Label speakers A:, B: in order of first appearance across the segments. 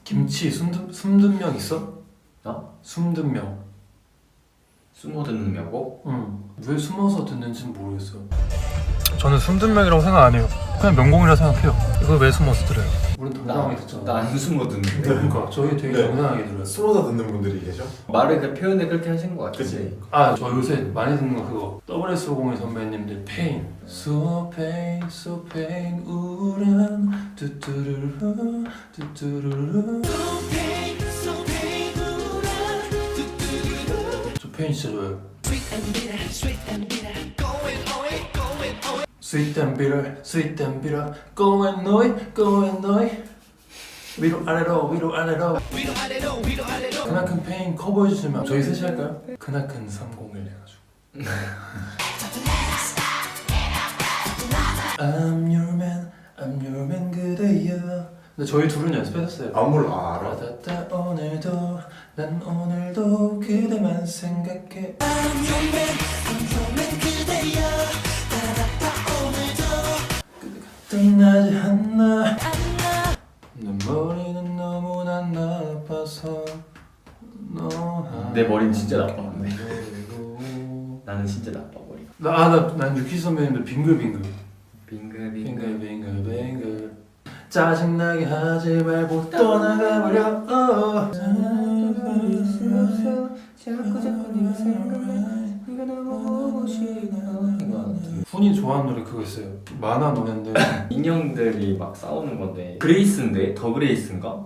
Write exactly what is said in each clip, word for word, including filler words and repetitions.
A: 김치 숨든, 숨든 명 있어?
B: 나?
A: 숨든 명.
B: 숨어 듣느냐고?
A: 응. 왜 숨어서 듣는지는 모르겠어요. 저는 숨든 명이라고 생각 안 해요. 그냥 명곡이라 생각해요. 이걸 왜 숨어서 들어요? 우린 당당하게 듣잖아.
B: 나안 숨어 듣는데.
A: 그러니까 저희 되게
C: 네.
A: 당당하게 들어요.
C: 숨어서 듣는 분들이 계셔?
B: 말을 그 표현을 그렇게 하신 것 같은데.
C: 그치.
A: 아, 저 요새 많이 듣는 거 그거 더블 에스 오공일 선배님들 페인. So pain, so pain, 우울한 뚜뚜루루 뚜뚜루루. 저 페인 진짜 좋아요. Sweet and bitter, sweet and bitter, go and know it, go and know it. 위로 아래로 위로 아래로 그나큰 페인 커버해주시면 저희 셋이 할까요? 그나큰 삼공일 해가지고 I'm your man, I'm your man 그대여. 근데 저희 둘은 연습했었어요.
C: 안 몰라. 아, 알아.
A: 받았다 오늘도 난 오늘도 그대만 생각해. I'm your man, I'm your man 그대여. 받았다 오늘도 끝나지 않나. 내 머리는 너무나 나빠서 너.
B: 내 머리는 진짜 나빠 근데. 나는 진짜 나빠 머리가.
A: 나아난 유키 선배님들 빙글빙글.
B: 빙글빙글.
A: 빙글빙글빙글. 짜증나게 하지 말고 떠나가버려. 어.
B: 자꾸 자꾸 네가 생각나. 네가 너무 보고 싶어.
A: 훈이 좋아하는 노래 그거 있어요. 만화 노래인데
B: 인형들이 막 싸우는 건데. 그레이스인데? 더 그레이스인가?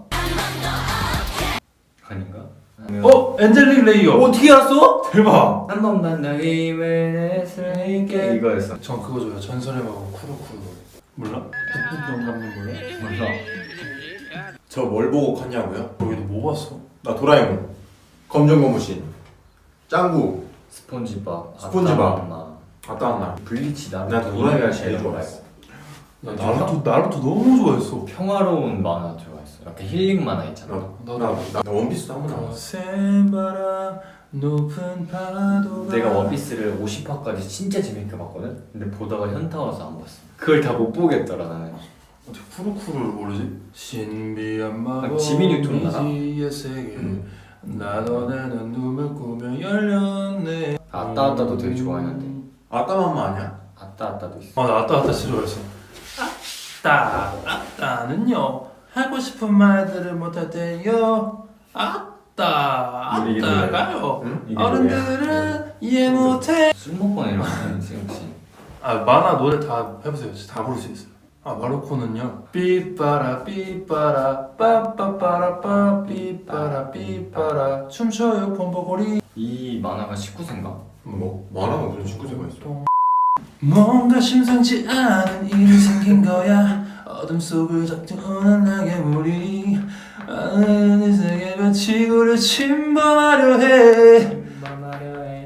B: 아닌가?
A: 어? 엔젤릭 레이어.
B: 어떻게 알았어?
A: 대박.
B: 한 번만 더 힘을 냈을게. 이거였어.
A: 전 그거 좋아요. 전설의 마법 쿠루쿠루 노래. 몰라? 북북 영감님 몰라?
B: 몰라.
C: 저 뭘 보고 컸냐고요?
A: 거기도 뭐 봤어?
C: 나 도라에몽, 검정고무신, 짱구,
B: 스폰지밥.
C: 스폰지밥.
B: 아따맘마.
C: 아따 한나.
B: 블리치 나루토.
C: 나 도라에몽
B: 이거야
C: 제일
B: 제일
C: 좋아했어.
A: 나 나루토 나루토 너무 좋아했어.
B: 평화로운 만화 좋아했어. 약간 힐링 만화 있잖아.
C: 나, 나, 나, 나 원피스도 한번 나왔어.
A: 거센 바람 높은 파도가.
B: 내가 원피스를 오십 화까지 진짜 재밌게 봤거든? 근데 보다가 현타 와서 안 봤어. 그걸 다 못 보겠더라 나는.
A: 어떻게 쿠루쿠루를 모르지? 신비한 마법
B: 아, 지미 뉴턴 나나?
A: 미지의 세계
C: 음.
A: 나도 나는 눈을 꾸며 열렸네.
B: 아따 아따도 되게 좋아했는데.
C: 아따맘마 아니야?
B: 아따 아따도 있어.
A: 아, 나 아따 아따 진짜 좋아했어. 아따 아따는요 하고 싶은 말들을 못할 때요. 아따
B: 이게
A: 아따가요.
C: 응?
B: 이게
A: 어른들은 이해 못해.
B: 술 먹고 이러면 생각지.
A: 아, 만화 노래 다 해보세요. 진짜 다 부를 수 있어요. 아, 마루코는요. 삐빠라 삐빠라 빠빠빠라 빠 삐빠라 삐빠라 춤춰요 폼보고리.
B: 이 만화가 십구 세인가?
C: 뭐? 만화가 무슨 축구제가 있어?
A: 뭔가 심상치 않은 일이 생긴 거야. 어둠 속을 적중 은은하게 물이 아는 이 세계가 지구를 침범하려 해.
B: 만화려 해.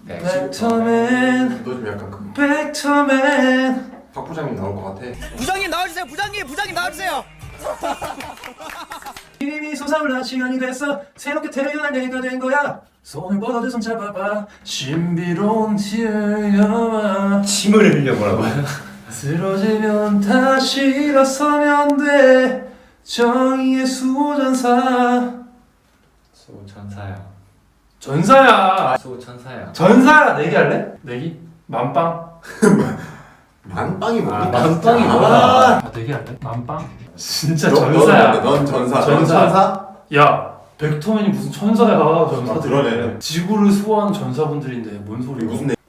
A: 벡터맨
C: 너 좀 약간 그
A: 벡터맨.
C: 박 부장님 나올 것 같아.
D: 부장님 나와주세요. 부장님, 부장님 나와주세요.
A: 이미 솟아올라 시간이 됐어. 새롭게 태어날 내가 된 거야. 손을 뻗어도 손 잡아봐. 신비로운 티어와
B: 침을 흘려보라고.
A: 쓰러지면 다시 일어서면 돼. 정의의 수호전사.
B: 수호천사야.
A: 전사야.
B: 수호천사야.
A: 전사야. 내기 할래? 내기? 만빵?
C: 만빵이 뭐니?
B: 아, 만빵이
C: 아,
B: 뭐야?
A: 아, 내기 할래? 만빵? 진짜
C: 너,
A: 전사야.
C: 넌, 넌 전사. 넌
A: 전사.
C: 천사?
A: 야, 벡터맨이 무슨 천사야. 전사들.
C: 아, 그러네.
A: 지구를 수호하는 전사분들인데 뭔 소리야?
C: 무슨 내...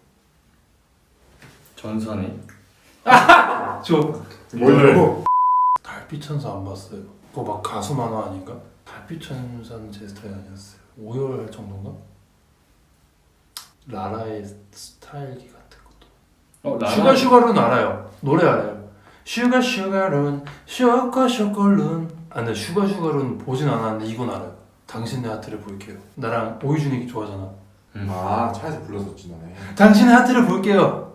B: 전사네.
A: 저
C: 뭐냐고?
A: 달빛 천사 안 봤어요. 그거 막 가수 만화 아닌가? 달빛 천사는 제 스타일 아니었어요. 오열할 정도인가? 라라의 스타일기 같은 것도.
B: 어, 나랑-
A: 슈가 슈가룬 알아요. 노래 알아요. 슈가 슈가룬 쇼코 쇼콜룬. 아 근데 슈가 슈가룬 보진 않았는데 이건 알아요. 당신 내 하트를 볼게요. 나랑 오이준이 좋아하잖아.
B: 음.
C: 아 차에서 불렀었지 너네.
A: 당신의 하트를 볼게요.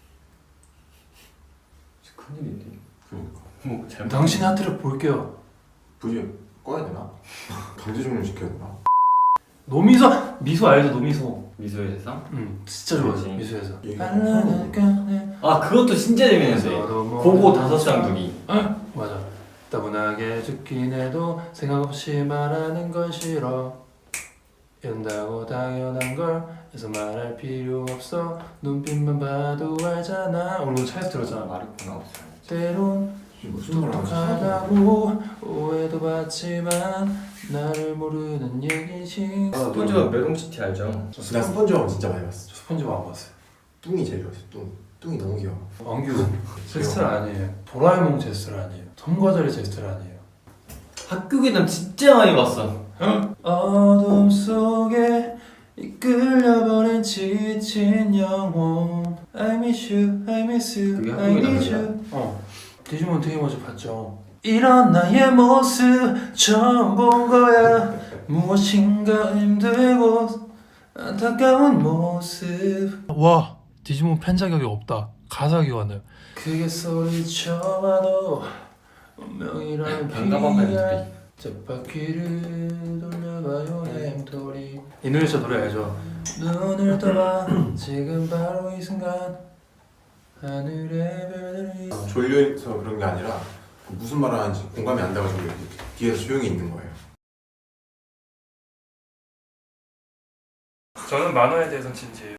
B: 큰일인데.
C: 그러니까.
B: 뭐 잘못.
A: 당신의 하트를 볼게요.
C: 부지 꺼야 되나? 강제 종료 시켜야 되나?
A: 노미소 미소 알죠? 노미소.
B: 미소의 세상?
A: 응 진짜 좋아요.
B: 그치.
A: 미소에서.
C: 얘기가
B: 아 그것도 진짜 재밌는데. 고고 다섯 쌍둥이.
A: 어? 맞아. 따분하게 죽긴 해도 생각 없이 말하는 건 싫어. 이런다고 당연한 걸 해서 말할 필요 없어. 눈빛만 봐도 알잖아. 오늘 차에서 들었잖아.
B: 말했구나 없어요.
A: 때론
C: 무슨 말 하는지
A: 똑똑하다고 오해도 받지만 나를 모르는 얘기지.
B: 스폰지밥 메롱시티 알죠?
C: 나 스펀지밥 진짜 많이 봤어.
A: 저 스펀지밥 안 봤어요.
C: 뚱이 제일 좋았어. 뚱. 뚱이 너무 귀여워.
A: 왕규 제 스타일 아니에요. 도라에몽 제 스타일 아니에요. 톰과자리 제 스타일 아니에요.
B: 학교 괴담 진짜 많이 봤어.
A: 어둠 속에 이끌려버린 지친 영혼. I miss you, I miss you,
B: 그게
A: I need
B: 한국이다,
A: you. 어, 디지몬 되게 먼저 봤죠. 이런 나의 모습 처음 본 거야. 무엇인가 힘들고 안타까운 모습. 와, 디지몬 팬 자격이 없다. 가사 기관을. 그게 소리쳐봐도 운명이라는
B: 반가방 팬들이.
A: 쳇바퀴를 돌려봐요 내 햄토리. 이 노래 진짜 노래 알죠? 눈을 떠봐 지금 바로 이 순간 하늘의 별들이.
C: 졸려서 그런 게 아니라 무슨 말을 하는지 공감이 안 돼가지고 이렇게 뒤에서 조용히 있는 거예요.
A: 저는 만화에 대해서 진지해요.